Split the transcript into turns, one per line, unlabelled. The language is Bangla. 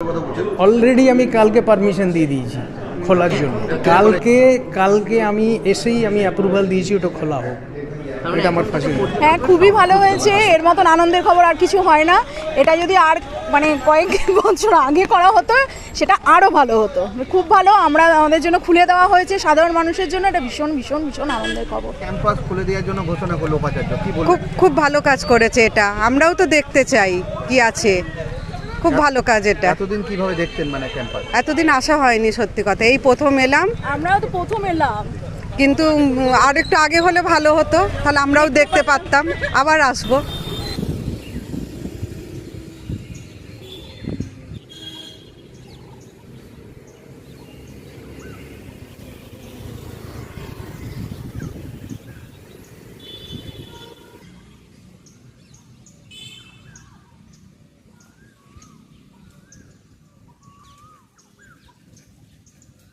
কথা বলছেন?
অলরেডি আমি কালকে পারমিশন দিয়ে দিয়েছি খোলার জন্য। কালকে আমি এসেই আমি অ্যাপ্রুভাল দিয়েছি ওটা খোলা হোক, এটা আমার ফাঁসি।
হ্যাঁ, খুবই ভালো হয়েছে। এর মতন আনন্দের খবর আর কিছু হয় না। এটা যদি আর মানে কয়েক বছর আগে করা হতো সেটা আরও ভালো হতো। খুব ভালো, আমাদের জন্য খুলে দেওয়া হয়েছে সাধারণ মানুষের জন্য। এটা ভীষণ ভীষণ ভীষণ আনন্দের খবর।
ক্যাম্পাস খুলে দেওয়ার জন্য ঘোষণা করলো উপাচার্য, কি বলবেন?
খুব খুব ভালো কাজ করেছে এটা, আমরাও তো দেখতে চাই কি আছে। খুব ভালো কাজ এটা।
এতদিন কিভাবে দেখতেন মানে ক্যাম্পাস?
এতদিন আসা হয়নি, সত্যি কথা, এই প্রথম এলাম।
আমরাও তো প্রথম এলাম,
কিন্তু আর একটু আগে হলে ভালো হতো, তাহলে আমরাও দেখতে পারতাম, আবার আসবো।